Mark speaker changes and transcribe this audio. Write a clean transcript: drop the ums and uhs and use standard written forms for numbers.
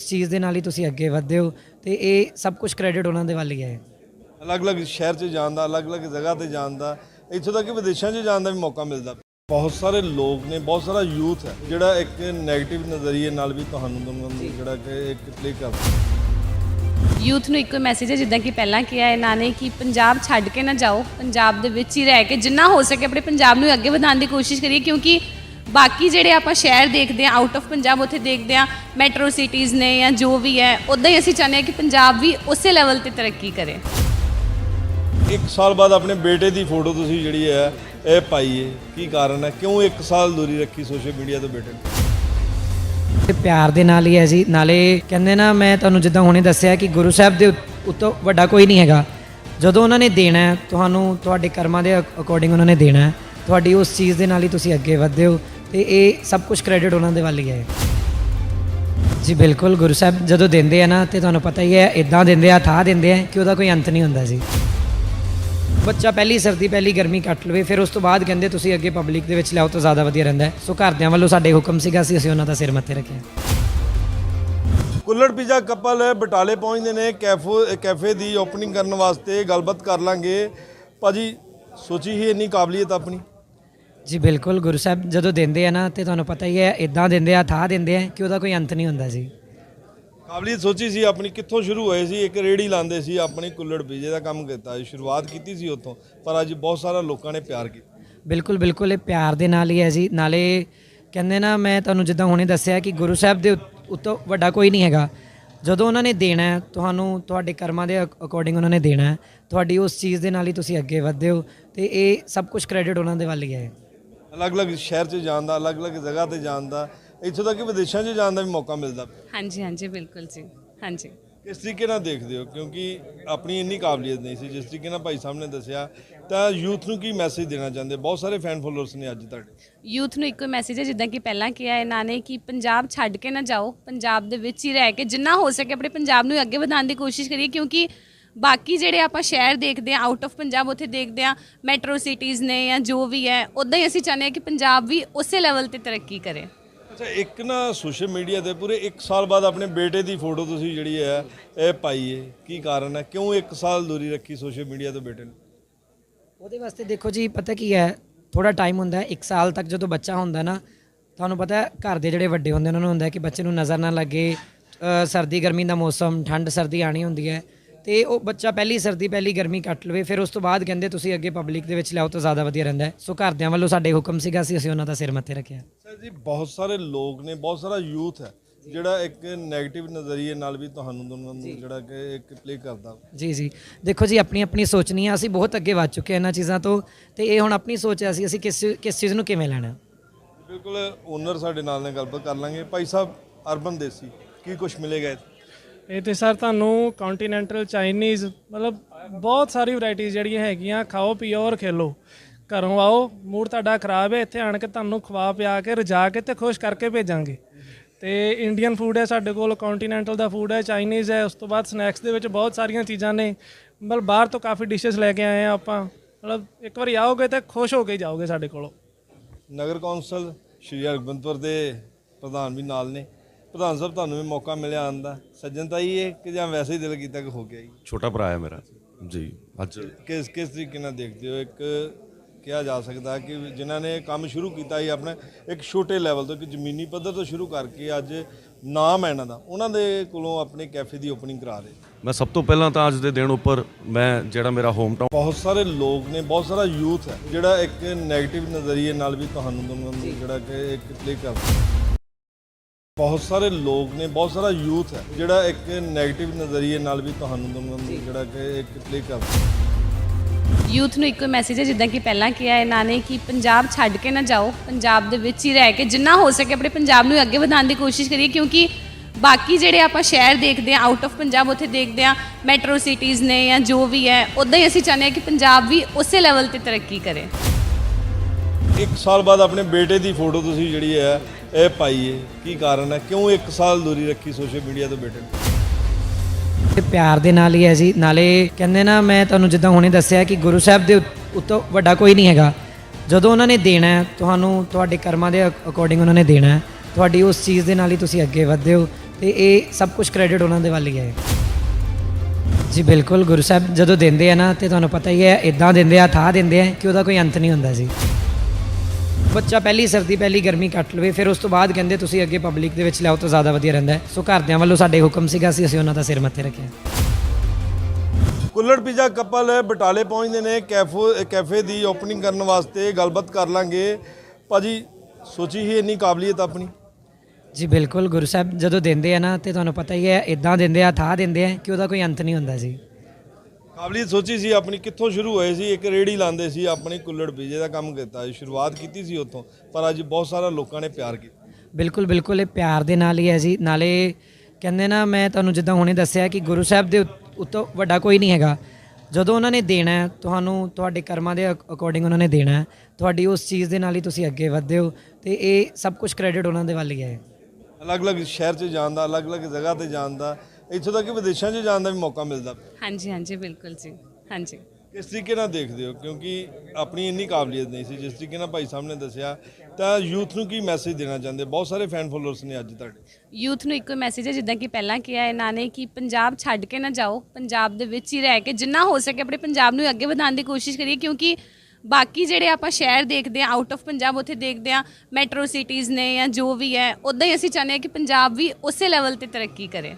Speaker 1: ਚੀਜ਼ ਦੇ ਨਾਲ ਹੀ ਤੁਸੀਂ ਅੱਗੇ ਵਧਦੇ ਹੋ ਤੇ ਇਹ ਸਭ ਕੁਝ ਕ੍ਰੈਡਿਟ ਉਹਨਾਂ ਦੇ ਵੱਲ ਹੀ ਹੈ।
Speaker 2: ਅਲੱਗ-ਅਲੱਗ ਸ਼ਹਿਰ 'ਚ ਜਾਣ ਦਾ, ਅਲੱਗ-ਅਲੱਗ ਜਗ੍ਹਾ ਤੇ ਜਾਣ ਦਾ, ਇੱਥੋਂ ਤੱਕ ਕਿ ਵਿਦੇਸ਼ਾਂ 'ਚ ਜਾਣ ਦਾ ਵੀ ਮੌਕਾ ਮਿਲਦਾ। ਬਹੁਤ ਸਾਰੇ ਲੋਕ ਨੇ, ਬਹੁਤ ਸਾਰਾ ਯੂਥ ਹੈ ਜਿਹੜਾ ਇੱਕ ਨੈਗੇਟਿਵ ਨਜ਼ਰੀਏ ਨਾਲ ਵੀ ਤੁਹਾਨੂੰ ਦੋਨਾਂ ਨੂੰ ਜਿਹੜਾ ਕਿ ਇੱਕ ਪਲੇ ਕਰਦਾ।
Speaker 3: ਯੂਥ ਨੂੰ ਇੱਕੋ ਮੈਸੇਜ ਹੈ, ਜਿੱਦਾਂ ਕਿ ਪਹਿਲਾਂ ਕਿਹਾ ਇਹਨਾਂ ਨੇ ਕਿ ਪੰਜਾਬ ਛੱਡ ਕੇ ਨਾ ਜਾਓ, ਪੰਜਾਬ ਦੇ ਵਿੱਚ ਹੀ ਰਹਿ ਕੇ ਜਿੰਨਾ ਹੋ ਸਕੇ ਆਪਣੇ ਪੰਜਾਬ ਨੂੰ ਅੱਗੇ ਵਧਾਉਣ ਦੀ ਕੋਸ਼ਿਸ਼ ਕਰੀਏ, ਕਿਉਂਕਿ ਬਾਕੀ ਜਿਹੜੇ ਆਪਾਂ ਸ਼ਹਿਰ ਦੇਖਦੇ ਆ ਆਊਟ ਆਫ ਪੰਜਾਬ, ਉੱਥੇ ਦੇਖਦੇ ਆ ਮੈਟਰੋ ਸਿਟੀਜ਼ ਨੇ ਜਾਂ ਜੋ ਵੀ ਹੈ, ਉੱਦਾਂ ਹੀ ਅਸੀਂ ਚਾਹੁੰਦੇ ਹਾਂ ਕਿ ਪੰਜਾਬ ਵੀ ਉਸੇ ਲੈਵਲ ਤੇ ਤਰੱਕੀ ਕਰੇ।
Speaker 2: 1 ਸਾਲ ਬਾਅਦ ਆਪਣੇ ਬੇਟੇ ਦੀ ਫੋਟੋ ਤੁਸੀਂ ਜਿਹੜੀ ਹੈ ਇਹ ਪਾਈਏ, ਕੀ ਕਾਰਨ ਹੈ? ਕਿਉਂ 1 ਸਾਲ ਦੂਰੀ ਰੱਖੀ ਸੋਸ਼ਲ ਮੀਡੀਆ ਤੋਂ ਬੇਟੇ ਨੂੰ?
Speaker 1: ਤੇ ਪਿਆਰ ਦੇ ਨਾਲ ਹੀ ਹੈ ਜੀ। ਨਾਲੇ ਕਹਿੰਦੇ ਨਾ, ਮੈਂ ਤੁਹਾਨੂੰ ਜਿੱਦਾਂ ਹੁਣੇ ਦੱਸਿਆ ਕਿ ਗੁਰੂ ਸਾਹਿਬ ਦੇ ਉੱਤੋਂ ਵੱਡਾ ਕੋਈ ਨਹੀਂ ਹੈਗਾ। ਜਦੋਂ ਉਹਨਾਂ ਨੇ ਦੇਣਾ ਹੈ ਤੁਹਾਨੂੰ, ਤੁਹਾਡੇ ਕਰਮਾਂ ਦੇ ਅਕੋਰਡਿੰਗ ਉਹਨਾਂ ਨੇ ਦੇਣਾ ਹੈ, ਤੁਹਾਡੀ ਉਸ ਚੀਜ਼ ਦੇ ਨਾਲ ਹੀ ਤੁਸੀਂ ਅੱਗੇ ਵਧਦੇ ਹੋ ਤੇ ਇਹ ਸਭ ਕੁਝ ਕ੍ਰੈਡਿਟ ਉਹਨਾਂ ਦੇ ਵੱਲ ਹੀ ਹੈ ਜੀ। ਬਿਲਕੁਲ, ਗੁਰੂ ਸਾਹਿਬ ਜਦੋਂ ਦਿੰਦੇ ਆ ਨਾ ਤੇ ਤੁਹਾਨੂੰ ਪਤਾ ਹੀ ਹੈ, ਇਦਾਂ ਦਿੰਦੇ ਆ, ਥਾਂ ਦਿੰਦੇ ਆ ਕਿ ਉਹਦਾ ਕੋਈ ਅੰਤ ਨਹੀਂ ਹੁੰਦਾ ਜੀ। ਬੱਚਾ ਪਹਿਲੀ ਸਰਦੀ ਪਹਿਲੀ ਗਰਮੀ ਕੱਟ ਲਵੇ, ਫਿਰ ਉਸ ਤੋਂ ਬਾਅਦ ਕਹਿੰਦੇ ਤੁਸੀਂ ਅੱਗੇ ਪਬਲਿਕ ਦੇ ਵਿੱਚ ਲਿਆਓ ਤਾਂ ਜ਼ਿਆਦਾ ਵਧੀਆ ਰਹਿੰਦਾ ਹੈ। ਸੋ ਘਰਦਿਆਂ ਵੱਲੋਂ ਸਾਡੇ ਹੁਕਮ ਸੀਗਾ, ਅਸੀਂ ਉਹਨਾਂ ਦਾ ਸਿਰ ਮੱਥੇ ਰੱਖਿਆ।
Speaker 2: ਕੁੱਲੜ ਪੀਜ਼ਾ ਕਪਲ ਬਟਾਲੇ ਪਹੁੰਚਦੇ ਨੇ ਕੈਫੇ ਦੀ ਓਪਨਿੰਗ ਕਰਨ ਵਾਸਤੇ। ਗੱਲਬਾਤ ਕਰ ਲਾਂਗੇ। ਭਾਜੀ, ਸੋਚੀ ਹੀ ਇੰਨੀ ਕਾਬਲੀਅਤ ਆਪਣੀ?
Speaker 1: ਜੀ ਬਿਲਕੁਲ, ਗੁਰੂ ਸਾਹਿਬ ਜਦੋਂ ਦਿੰਦੇ ਆ ਨਾ ਤੇ ਤੁਹਾਨੂੰ ਪਤਾ ਹੀ ਹੈ, ਇਦਾਂ ਦਿੰਦੇ ਆ, ਥਾਂ ਦਿੰਦੇ ਆ ਕਿ ਉਹਦਾ ਕੋਈ ਅੰਤ ਨਹੀਂ ਹੁੰਦਾ ਜੀ।
Speaker 2: ਕਾਬਲੀਅਤ ਸੋਚੀ ਸੀ ਆਪਣੀ? ਕਿੱਥੋਂ ਸ਼ੁਰੂ ਹੋਏ ਸੀ? ਇੱਕ ਰੇੜੀ ਲਾਉਂਦੇ ਸੀ, ਆਪਣੀ ਕੁੱਲੜ ਪੀਜ਼ੇ ਦਾ ਕੰਮ ਕੀਤਾ, ਸ਼ੁਰੂਆਤ ਕੀਤੀ ਸੀ ਉੱਥੋਂ, ਪਰ ਅੱਜ ਬਹੁਤ ਸਾਰਾ ਲੋਕਾਂ ਨੇ ਪਿਆਰ ਕੀਤਾ।
Speaker 1: ਬਿਲਕੁਲ ਬਿਲਕੁਲ, ਇਹ ਪਿਆਰ ਦੇ ਨਾਲ ਹੀ ਹੈ ਜੀ। ਨਾਲੇ ਕਹਿੰਦੇ ਨਾ, ਮੈਂ ਤੁਹਾਨੂੰ ਜਿੱਦਾਂ ਹੁਣੇ ਦੱਸਿਆ ਕਿ ਗੁਰੂ ਸਾਹਿਬ ਦੇ ਉੱਤੋਂ ਵੱਡਾ ਕੋਈ ਨਹੀਂ ਹੈਗਾ। ਜਦੋਂ ਉਹਨਾਂ ਨੇ ਦੇਣਾ ਹੈ ਤੁਹਾਨੂੰ, ਤੁਹਾਡੇ ਕਰਮਾਂ ਦੇ ਅਕੋਰਡਿੰਗ ਉਹਨਾਂ ਨੇ ਦੇਣਾ ਹੈ, ਤੁਹਾਡੀ ਉਸ ਚੀਜ਼ ਦੇ ਨਾਲ ਹੀ ਤੁਸੀਂ ਅੱਗੇ ਵਧਦੇ ਹੋ ਤੇ ਇਹ ਸਭ ਕੁਝ ਕ੍ਰੈਡਿਟ ਉਹਨਾਂ ਦੇ ਵੱਲ ਹੀ ਹੈ।
Speaker 2: ਅਲੱਗ-ਅਲੱਗ ਸ਼ਹਿਰ 'ਚ ਜਾਣ ਦਾ, ਅਲੱਗ-ਅਲੱਗ ਜਗ੍ਹਾ ਤੇ ਜਾਣ ਦਾ, ਇੱਥੋਂ ਤੱਕ ਕਿ ਵਿਦੇਸ਼ਾਂ 'ਚ ਜਾਣ ਦਾ ਵੀ ਮੌਕਾ ਮਿਲਦਾ।
Speaker 3: ਹਾਂਜੀ ਹਾਂਜੀ, ਬਿਲਕੁਲ ਜੀ। ਹਾਂਜੀ,
Speaker 2: ਕਿਸ ਤਰੀਕੇ ਨਾਲ ਦੇਖਦੇ ਹੋ? ਕਿਉਂਕਿ ਆਪਣੀ ਇੰਨੀ ਕਾਬਲੀਅਤ ਨਹੀਂ ਸੀ, ਜਿਸ ਤਰੀਕੇ ਨਾਲ ਭਾਈ ਸਾਹਿਬ ਨੇ ਦੱਸਿਆ, ਤਾਂ ਯੂਥ ਨੂੰ ਕੀ ਮੈਸੇਜ ਦੇਣਾ ਚਾਹੁੰਦੇ? ਬਹੁਤ ਸਾਰੇ ਫੈਨ ਫੋਲੋਅਰਸ ਨੇ ਅੱਜ ਤੁਹਾਡੇ।
Speaker 3: ਯੂਥ ਨੂੰ ਇੱਕੋ ਮੈਸੇਜ ਹੈ, ਜਿੱਦਾਂ ਕਿ ਪਹਿਲਾਂ ਕਿਹਾ ਇਹਨਾਂ ਨੇ ਕਿ ਪੰਜਾਬ ਛੱਡ ਕੇ ਨਾ ਜਾਓ, ਪੰਜਾਬ ਦੇ ਵਿੱਚ ਹੀ ਰਹਿ ਕੇ ਜਿੰਨਾ ਹੋ ਸਕੇ ਆਪਣੇ ਪੰਜਾਬ ਨੂੰ ਅੱਗੇ ਵਧਾਉਣ ਦੀ ਕੋਸ਼ਿਸ਼ ਕਰੀਏ, ਕਿਉਂਕਿ ਬਾਕੀ ਜਿਹੜੇ ਆਪਾਂ ਸ਼ਹਿਰ ਦੇਖਦੇ ਆ ਆਊਟ ਆਫ ਪੰਜਾਬ, ਉੱਥੇ ਦੇਖਦੇ ਆ ਮੈਟਰੋ ਸਿਟੀਜ਼ ਨੇ ਜਾਂ ਜੋ ਵੀ ਹੈ, ਉੱਦਾਂ ਹੀ ਅਸੀਂ ਚਾਹੁੰਦੇ ਹਾਂ ਕਿ ਪੰਜਾਬ ਵੀ ਉਸੇ ਲੈਵਲ ਤੇ ਤਰੱਕੀ ਕਰੇ।
Speaker 2: ਅੱਛਾ, ਇੱਕ ਨਾ ਸੋਸ਼ਲ ਮੀਡੀਆ ਤੇ ਪੂਰੇ 1 ਸਾਲ ਬਾਅਦ ਆਪਣੇ ਬੇਟੇ ਦੀ ਫੋਟੋ ਤੁਸੀਂ ਜਿਹੜੀ ਹੈ ਇਹ ਪਾਈਏ, ਕੀ ਕਾਰਨ ਹੈ? ਕਿਉਂ 1 ਸਾਲ ਦੂਰੀ ਰੱਖੀ ਸੋਸ਼ਲ ਮੀਡੀਆ ਤੋਂ ਬੇਟੇ ਨੂੰ?
Speaker 1: ਉਹਦੇ ਵਾਸਤੇ ਦੇਖੋ ਜੀ, ਪਤਾ ਕੀ ਹੈ, ਥੋੜਾ ਟਾਈਮ ਹੁੰਦਾ ਹੈ। 1 ਸਾਲ ਤੱਕ ਜਦੋਂ ਬੱਚਾ ਹੁੰਦਾ ਨਾ, ਤੁਹਾਨੂੰ ਪਤਾ ਘਰ ਦੇ ਜਿਹੜੇ ਵੱਡੇ ਹੁੰਦੇ ਉਹਨਾਂ ਨੂੰ ਹੁੰਦਾ ਕਿ ਬੱਚੇ ਨੂੰ ਨਜ਼ਰ ਨਾ ਲੱਗੇ। ਸਰਦੀ ਗਰਮੀ ਦਾ ਮੌਸਮ, ਠੰਡ ਸਰਦੀ ਆਣੀ ਹੁੰਦੀ ਹੈ ਤੇ ਉਹ ਬੱਚਾ ਪਹਿਲੀ ਸਰਦੀ ਪਹਿਲੀ ਗਰਮੀ ਕੱਟ ਲਵੇ, ਫਿਰ ਉਸ ਤੋਂ ਬਾਅਦ ਕਹਿੰਦੇ ਤੁਸੀਂ ਅੱਗੇ ਪਬਲਿਕ ਦੇ ਵਿੱਚ ਲਿਆਓ ਤਾਂ ਜ਼ਿਆਦਾ ਵਧੀਆ ਰਹਿੰਦਾ ਹੈ। ਸੋ ਘਰਦਿਆਂ ਵੱਲੋਂ ਸਾਡੇ ਹੁਕਮ ਸੀਗਾ, ਅਸੀਂ ਉਹਨਾਂ ਦਾ ਸਿਰ ਮੱਥੇ ਰੱਖਿਆ।
Speaker 2: ਸਰ ਜੀ, ਬਹੁਤ ਸਾਰੇ ਲੋਕ ਨੇ, ਬਹੁਤ ਸਾਰਾ ਯੂਥ ਹੈ ਜਿਹੜਾ ਇੱਕ ਨੈਗੇਟਿਵ ਨਜ਼ਰੀਏ ਨਾਲ ਵੀ ਤੁਹਾਨੂੰ ਦੋਨਾਂ ਨੂੰ ਜਿਹੜਾ ਕਿ ਇੱਕ ਪਲੇ ਕਰਦਾ।
Speaker 1: ਜੀ ਜੀ, ਦੇਖੋ ਜੀ, ਆਪਣੀ ਆਪਣੀ ਸੋਚਣੀ ਹੈ। ਅਸੀਂ ਬਹੁਤ ਅੱਗੇ ਵੱਧ ਚੁੱਕੇ ਹਾਂ ਇਹਨਾਂ ਚੀਜ਼ਾਂ ਤੋਂ ਤੇ ਇਹ ਹੁਣ ਆਪਣੀ ਸੋਚ ਹੈ, ਅਸੀਂ ਕਿਸ ਚੀਜ਼ ਨੂੰ ਕਿਵੇਂ ਲੈਣਾ।
Speaker 2: ਬਿਲਕੁਲ, ਓਨਰ ਸਾਡੇ ਨਾਲ ਨੇ, ਗੱਲਬਾਤ ਕਰ ਲਾਂਗੇ। ਭਾਈ ਸਾਹਿਬ, ਅਰਬਨ ਦੇਸੀ ਕੀ ਕੁਝ ਮਿਲੇਗਾ
Speaker 4: ਇਹ ਤੇ ਸਰ ਤੁਹਾਨੂੰ ਕੰਟੀਨੈਂਟਲ, ਚਾਈਨੀਜ਼, ਮਤਲਬ ਬਹੁਤ ਸਾਰੀ ਵੈਰਾਈਟੀਜ਼ ਜਿਹੜੀਆਂ ਹੈਗੀਆਂ। ਖਾਓ ਪੀਓ ਔਰ ਖੇਲੋ। ਘਰੋਂ ਆਓ, ਮੂਡ ਤੁਹਾਡਾ ਖਰਾਬ ਹੈ, ਇੱਥੇ ਆਣ ਕੇ ਤੁਹਾਨੂੰ ਖਵਾ ਪਿਆ ਕੇ ਰਜਾ ਕੇ ਤੇ ਖੁਸ਼ ਕਰਕੇ ਭੇਜਾਂਗੇ। ਤੇ ਇੰਡੀਅਨ ਫੂਡ ਹੈ ਸਾਡੇ ਕੋਲ, ਕੰਟੀਨੈਂਟਲ ਦਾ ਫੂਡ ਹੈ, ਚਾਈਨੀਜ਼ ਹੈ, ਉਸ ਤੋਂ ਬਾਅਦ ਸਨੈਕਸ ਦੇ ਵਿੱਚ ਬਹੁਤ ਸਾਰੀਆਂ ਚੀਜ਼ਾਂ ਨੇ। ਮਤਲਬ ਬਾਹਰ ਤੋਂ ਕਾਫੀ ਡਿਸ਼ਸ ਲੈ ਕੇ ਆਏ ਆ ਆਪਾਂ। ਮਤਲਬ ਇੱਕ ਵਾਰੀ ਆਓਗੇ ਤਾਂ ਖੁਸ਼ ਹੋ ਕੇ ਜਾਓਗੇ ਸਾਡੇ ਕੋਲੋਂ।
Speaker 2: ਨਗਰ ਕੌਂਸਲ ਸ਼੍ਰੀ ਹਰਗੋਬਿੰਦਪੁਰ ਦੇ ਪ੍ਰਧਾਨ ਵੀ ਨਾਲ ਨੇ। ਪ੍ਰਧਾਨ ਸਾਹਿਬ, ਤੁਹਾਨੂੰ ਵੀ ਮੌਕਾ ਮਿਲਿਆ ਆਉਣ ਦਾ, ਸੱਜਣਤਾ ਹੀ ਹੈ ਕਿ ਜਾਂ ਵੈਸੇ ਹੀ ਦਿਲ ਕੀਤਾ ਕਿ ਹੋ ਗਿਆ?
Speaker 5: ਛੋਟਾ ਭਰਾ ਹੈ ਮੇਰਾ ਜੀ। ਅੱਜ
Speaker 2: ਕਿਸ ਤਰੀਕੇ ਨਾਲ ਦੇਖਦੇ ਹੋ? ਇੱਕ ਕਿਹਾ ਜਾ ਸਕਦਾ ਕਿ ਜਿਨ੍ਹਾਂ ਨੇ ਕੰਮ ਸ਼ੁਰੂ ਕੀਤਾ ਸੀ ਆਪਣਾ ਇੱਕ ਛੋਟੇ ਲੈਵਲ ਤੋਂ, ਕਿ ਜ਼ਮੀਨੀ ਪੱਧਰ ਤੋਂ ਸ਼ੁਰੂ ਕਰਕੇ ਅੱਜ ਨਾਮ ਹੈ ਇਹਨਾਂ ਦਾ, ਉਹਨਾਂ ਦੇ ਕੋਲੋਂ ਆਪਣੇ ਕੈਫੇ ਦੀ ਓਪਨਿੰਗ ਕਰਾ ਰਹੇ।
Speaker 5: ਮੈਂ ਸਭ ਤੋਂ ਪਹਿਲਾਂ ਤਾਂ ਅੱਜ ਦੇ ਦਿਨ ਉੱਪਰ ਮੈਂ ਜਿਹੜਾ ਮੇਰਾ ਹੋਮ ਟਾਊਨ,
Speaker 2: ਬਹੁਤ ਸਾਰੇ ਲੋਕ ਨੇ, ਬਹੁਤ ਸਾਰਾ ਯੂਥ ਹੈ ਜਿਹੜਾ ਇੱਕ ਨੈਗੇਟਿਵ ਨਜ਼ਰੀਏ ਨਾਲ ਵੀ ਤੁਹਾਨੂੰ ਦੋਨਾਂ ਨੂੰ ਜਿਹੜਾ ਕਿ ਇੱਕ ਪਲੇ ਕਰਦਾ। ਬਹੁਤ ਸਾਰੇ ਲੋਕ ਨੇ, ਬਹੁਤ ਸਾਰਾ ਯੂਥ ਹੈ ਜਿਹੜਾ ਇੱਕ ਨੈਗੇਟਿਵ ਨਜ਼ਰੀਏ ਨਾਲ ਵੀ ਤੁਹਾਨੂੰ ਦੋਨਾਂ ਨੂੰ ਜਿਹੜਾ ਕਿ ਇੱਕ ਪਲੇ ਕਰਦਾ।
Speaker 3: ਯੂਥ ਨੂੰ ਇੱਕੋ ਮੈਸੇਜ ਹੈ, ਜਿੱਦਾਂ ਕਿ ਪਹਿਲਾਂ ਕਿਹਾ ਇਹਨਾਂ ਨੇ ਕਿ ਪੰਜਾਬ ਛੱਡ ਕੇ ਨਾ ਜਾਓ, ਪੰਜਾਬ ਦੇ ਵਿੱਚ ਹੀ ਰਹਿ ਕੇ ਜਿੰਨਾ ਹੋ ਸਕੇ ਆਪਣੇ ਪੰਜਾਬ ਨੂੰ ਅੱਗੇ ਵਧਾਉਣ ਦੀ ਕੋਸ਼ਿਸ਼ ਕਰੀਏ, ਕਿਉਂਕਿ ਬਾਕੀ ਜਿਹੜੇ ਆਪਾਂ ਸ਼ਹਿਰ ਦੇਖਦੇ ਆ ਆਊਟ ਆਫ ਪੰਜਾਬ, ਉੱਥੇ ਦੇਖਦੇ ਆ ਮੈਟਰੋ ਸਿਟੀਜ਼ ਨੇ ਜਾਂ ਜੋ ਵੀ ਹੈ, ਉੱਦਾਂ ਹੀ ਅਸੀਂ ਚਾਹੁੰਦੇ ਹਾਂ ਕਿ ਪੰਜਾਬ ਵੀ ਉਸੇ ਲੈਵਲ ਤੇ ਤਰੱਕੀ ਕਰੇ।
Speaker 2: 1 ਸਾਲ ਬਾਅਦ ਆਪਣੇ ਬੇਟੇ ਦੀ ਫੋਟੋ ਤੁਸੀਂ ਜਿਹੜੀ ਹੈ ਇਹ ਪਾਈਏ, ਕੀ ਕਾਰਨ ਹੈ? ਕਿਉਂ 1 ਸਾਲ ਦੂਰੀ ਰੱਖੀ ਸੋਸ਼ਲ ਮੀਡੀਆ ਤੋਂ ਬੇਟੇ ਨੂੰ?
Speaker 1: ਇਹ ਪਿਆਰ ਦੇ ਨਾਲ ਹੀ ਹੈ ਜੀ। ਨਾਲੇ ਕਹਿੰਦੇ ਨਾ, ਮੈਂ ਤੁਹਾਨੂੰ ਜਿੱਦਾਂ ਹੁਣੇ ਦੱਸਿਆ ਕਿ ਗੁਰੂ ਸਾਹਿਬ ਦੇ ਉੱਤੋਂ ਵੱਡਾ ਕੋਈ ਨਹੀਂ ਹੈਗਾ। ਜਦੋਂ ਉਹਨਾਂ ਨੇ ਦੇਣਾ ਹੈ ਤੁਹਾਨੂੰ, ਤੁਹਾਡੇ ਕਰਮਾਂ ਦੇ ਅਕੋਰਡਿੰਗ ਉਹਨਾਂ ਨੇ ਦੇਣਾ ਹੈ, ਤੁਹਾਡੀ ਉਸ ਚੀਜ਼ ਦੇ ਨਾਲ ਹੀ ਤੁਸੀਂ ਅੱਗੇ ਵਧਦੇ ਹੋ ਤੇ ਇਹ ਸਭ ਕੁਝ ਕ੍ਰੈਡਿਟ ਉਹਨਾਂ ਦੇ ਵੱਲ ਹੀ ਹੈ ਜੀ। ਬਿਲਕੁਲ, ਗੁਰੂ ਸਾਹਿਬ ਜਦੋਂ ਦਿੰਦੇ ਆ ਨਾ ਤੇ ਤੁਹਾਨੂੰ ਪਤਾ ਹੀ ਹੈ ਇਦਾਂ ਦਿੰਦੇ ਆ, ਥਾਹ ਦਿੰਦੇ ਆ ਕਿ ਉਹਦਾ ਕੋਈ ਅੰਤ ਨਹੀਂ ਹੁੰਦਾ ਜੀ। ਬੱਚਾ ਪਹਿਲੀ ਸਰਦੀ ਪਹਿਲੀ ਗਰਮੀ ਕੱਟ ਲਵੇ, ਫਿਰ ਉਸ ਤੋਂ ਬਾਅਦ ਕਹਿੰਦੇ ਤੁਸੀਂ ਅੱਗੇ ਪਬਲਿਕ ਦੇ ਵਿੱਚ ਲਿਆਓ ਤਾਂ ਜ਼ਿਆਦਾ ਵਧੀਆ ਰਹਿੰਦਾ ਹੈ। ਸੋ ਘਰਦਿਆਂ ਵੱਲੋਂ ਸਾਡੇ ਹੁਕਮ ਸੀਗਾ ਸੀ, ਅਸੀਂ ਉਹਨਾਂ ਦਾ ਸਿਰ ਮੱਥੇ ਰੱਖਿਆ।
Speaker 2: ਕੁੱਲੜ ਪੀਜ਼ਾ ਕਪਲ ਬਟਾਲੇ ਪਹੁੰਚਦੇ ਨੇ ਕੈਫੇ ਦੀ ਓਪਨਿੰਗ ਕਰਨ ਵਾਸਤੇ। ਗੱਲਬਾਤ ਕਰ ਲਾਂਗੇ। ਭਾਜੀ ਸੋਚੀ ਹੀ ਇੰਨੀ ਕਾਬਲੀਅਤ ਆਪਣੀ?
Speaker 1: ਜੀ ਬਿਲਕੁਲ, ਗੁਰੂ ਸਾਹਿਬ ਜਦੋਂ ਦਿੰਦੇ ਆ ਨਾ ਤੇ ਤੁਹਾਨੂੰ ਪਤਾ ਹੀ ਹੈ ਇਦਾਂ ਦਿੰਦੇ ਆ, ਥਾਹ ਦਿੰਦੇ ਆ ਕਿ ਉਹਦਾ ਕੋਈ ਅੰਤ ਨਹੀਂ ਹੁੰਦਾ ਜੀ।
Speaker 2: ਕਾਬਲੀਅਤ ਸੋਚੀ ਸੀ ਆਪਣੀ? ਕਿੱਥੋਂ ਸ਼ੁਰੂ ਹੋਏ ਸੀ? ਇੱਕ ਰੇੜੀ ਲਾਉਂਦੇ ਸੀ, ਆਪਣੀ ਕੁੱਲੜ ਪੀਜ਼ੇ ਦਾ ਕੰਮ ਕੀਤਾ ਸੀ, ਸ਼ੁਰੂਆਤ ਕੀਤੀ ਸੀ ਉੱਥੋਂ, ਪਰ ਅੱਜ ਬਹੁਤ ਸਾਰਾ ਲੋਕਾਂ ਨੇ ਪਿਆਰ ਕੀਤਾ।
Speaker 1: ਬਿਲਕੁਲ ਬਿਲਕੁਲ, ਇਹ ਪਿਆਰ ਦੇ ਨਾਲ ਹੀ ਹੈ ਜੀ। ਨਾਲੇ ਕਹਿੰਦੇ ਨਾ, ਮੈਂ ਤੁਹਾਨੂੰ ਜਿੱਦਾਂ ਹੁਣੇ ਦੱਸਿਆ ਕਿ ਗੁਰੂ ਸਾਹਿਬ ਦੇ ਉੱਤੋਂ ਵੱਡਾ ਕੋਈ ਨਹੀਂ ਹੈਗਾ। ਜਦੋਂ ਉਹਨਾਂ ਨੇ ਦੇਣਾ ਹੈ ਤੁਹਾਨੂੰ, ਤੁਹਾਡੇ ਕਰਮਾਂ ਦੇ ਅਕੋਰਡਿੰਗ ਉਹਨਾਂ ਨੇ ਦੇਣਾ ਹੈ, ਤੁਹਾਡੀ ਉਸ ਚੀਜ਼ ਦੇ ਨਾਲ ਹੀ ਤੁਸੀਂ ਅੱਗੇ ਵਧਦੇ ਹੋ ਤੇ ਇਹ ਸਭ ਕੁਝ ਕ੍ਰੈਡਿਟ ਉਹਨਾਂ ਦੇ ਵੱਲ ਹੀ ਹੈ।
Speaker 2: ਅਲੱਗ-ਅਲੱਗ ਸ਼ਹਿਰ 'ਚ ਜਾਣ ਦਾ, ਅਲੱਗ-ਅਲੱਗ ਜਗ੍ਹਾ ਤੇ ਜਾਣ ਦਾ, ਇੱਥੋਂ ਤੱਕ ਕਿ ਵਿਦੇਸ਼ਾਂ 'ਚ ਜਾਣ ਦਾ ਵੀ ਮੌਕਾ ਮਿਲਦਾ।
Speaker 3: ਹਾਂਜੀ ਹਾਂਜੀ ਬਿਲਕੁਲ ਜੀ। ਹਾਂਜੀ
Speaker 2: ਕਿਸ ਤਰੀਕੇ ਨਾਲ ਦੇਖਦੇ ਹੋ? ਕਿਉਂਕਿ ਆਪਣੀ ਇੰਨੀ ਕਾਬਲੀਅਤ ਨਹੀਂ ਸੀ ਜਿਸ ਤਰੀਕੇ ਨਾਲ ਭਾਈ ਸਾਹਿਬ ਨੇ ਦੱਸਿਆ, ਤਾਂ ਯੂਥ ਨੂੰ ਕੀ ਮੈਸੇਜ ਦੇਣਾ ਚਾਹੁੰਦੇ? ਬਹੁਤ ਸਾਰੇ ਫੈਨ ਫੋਲੋਅਰਸ ਨੇ ਅੱਜ ਤੁਹਾਡੇ।
Speaker 3: ਯੂਥ ਨੂੰ ਇੱਕੋ ਮੈਸੇਜ ਹੈ, ਜਿੱਦਾਂ ਕਿ ਪਹਿਲਾਂ ਕਿਹਾ ਇਹਨਾਂ ਨੇ, ਕਿ ਪੰਜਾਬ ਛੱਡ ਕੇ ਨਾ ਜਾਓ, ਪੰਜਾਬ ਦੇ ਵਿੱਚ ਹੀ ਰਹਿ ਕੇ ਜਿੰਨਾ ਹੋ ਸਕੇ ਆਪਣੇ ਪੰਜਾਬ ਨੂੰ ਅੱਗੇ ਵਧਾਉਣ ਦੀ ਕੋਸ਼ਿਸ਼ ਕਰੀਏ। ਕਿਉਂਕਿ ਬਾਕੀ ਜਿਹੜੇ ਆਪਾਂ ਸ਼ਹਿਰ ਦੇਖਦੇ ਆ ਆਊਟ ਆਫ ਪੰਜਾਬ, ਉੱਥੇ ਦੇਖਦੇ ਆ ਮੈਟਰੋ ਸਿਟੀਜ਼ ਨੇ ਜਾਂ ਜੋ ਵੀ ਹੈ, ਉੱਦਾਂ ਹੀ ਅਸੀਂ ਚਾਹੁੰਦੇ ਹਾਂ ਕਿ ਪੰਜਾਬ ਵੀ ਉਸੇ ਲੈਵਲ ਤੇ ਤਰੱਕੀ ਕਰੇ।